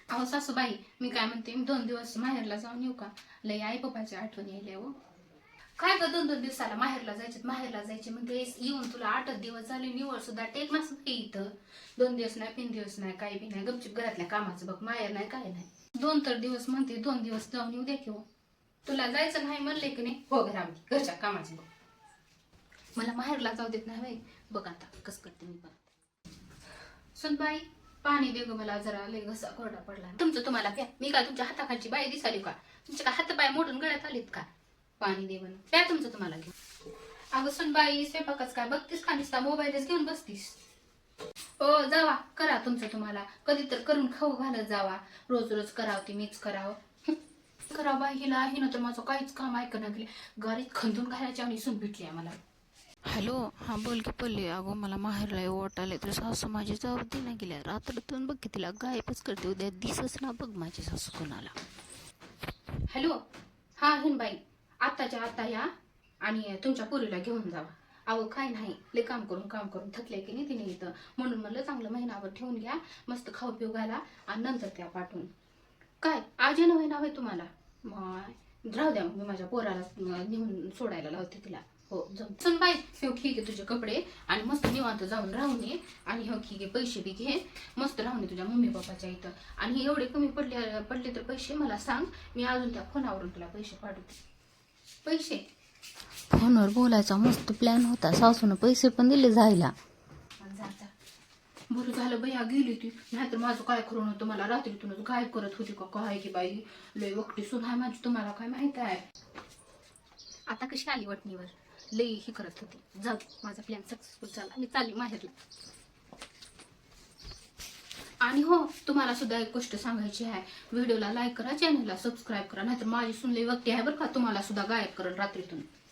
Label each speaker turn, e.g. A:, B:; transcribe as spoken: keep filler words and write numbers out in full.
A: अहो सासूबाई, मी काय म्हणते, मी दोन दिवस माहेरला जाऊन येऊ का? लय आई पप्पाची आठवण यायली हो. काय ग दोन दोन दिवसाला माहेरला जायचे माहेरला जायचे म्हणते, येऊन तुला आठच दिवस झाले, निवळ सुद्धा टेक नसते इथं. दोन दिवस नाही, तीन दिवस नाही, काही बी नाही, गपचूप घरातल्या कामाचं बघ, माहेर नाही काय नाही. दोन तर दिवस म्हणते, दोन दिवस जाऊन येऊ दे की हो. तुला जायचं नाही म्हणले की नाही, हो घरामध्ये घरच्या कामाचं बघ. मला माहेरला जाऊ देत नाही बाई. बघ आता कस करते मी परत. सुनबाई, पाणी दे ग मला जरा, लय घसा कोरडा पडला. तुमचं तुम्हाला प्या, मी काय तुमच्या हाताखालची बाई दिसाली का? तुमचे का हात पाय मोडून गळ्यात आलीत का? पाणी दे म्हणून प्या, तुमचं तुम्हाला घेऊन. अगं सुनबाई, स्वयंपाकच काय बघतीस का? नुसता मोबाईलच घेऊन बसतीस. हो जावा, करा तुमचं तुम्हाला, कधी तर करून खाऊ घालत जावा. रोज रोज करावं ती मीच करावं. करा बाई, हिला हिनं तर माझं काहीच काम ऐकणं गेले. गाडीत खंदून घालायच्या आणि सून भेटली आहे मला.
B: हॅलो, हां बोल की पल्ली. अगो मला माहेरला ओट आले तर सासू माझी जाऊ दे ना गेल्या रात्रीतून. बघ की तिला गायबच करते, उद्या दिसच ना बघ माझी सासू कोणाला.
A: हॅलो, हा हिनबाई, आत्ताच्या आत्ता या आणि तुमच्या पोरीला घेऊन जावा. अहो काय नाही, लय काम करून काम करून थकले की नाही तिने इथं, म्हणून म्हणलं चांगलं महिनाभर ठेवून घ्या, मस्त खाऊ पिऊ घाला आणि नंतर त्या पाठवून. काय आज येणं होईना होय तुम्हाला? मग राहू द्या, मी माझ्या पोराला नेऊन सोडायला लावते तिला. हो जाऊ. सुन बाई, हो ठीक आहे, तुझे कपडे आणि मस्त निवांत जाऊन राहून ये. आणि हो ठीक आहे, पैसे बी घे, मस्त राहून ये तुझ्या मम्मी पप्पाच्या इथं. आणि एवढे कमी पडले पडले तर पैसे मला सांग, मी अजून त्या फोनावरून तुला पैसे पाठवते. पैसे
B: फोनवर बोलायचा मस्त प्लॅन होता, सासून पैसे पण दिले जायला.
A: जा जा. बरं झालं बया गेली ती, नाहीतर माझं काय खरं नव्हतं. मला रात्रीतूनच काय करत होती का काय की बाई, लय वकटी सुन आहे माझी, तुम्हाला काय माहित आहे. आता कशी आली वटणीवर, लई ही करत होती. जाऊ, माझा प्लॅन सक्सेसफुल झाला, मी चालली माहेरला. आणि हो, तुम्हाला सुद्धा एक गोष्ट सांगायची आहे, व्हिडिओला लाईक करा, चॅनलला सबस्क्राईब करा, नाहीतर माझी सुन लई वकटी आहे बरं का, तुम्हाला सुद्धा गायब करेल रात्रीतून.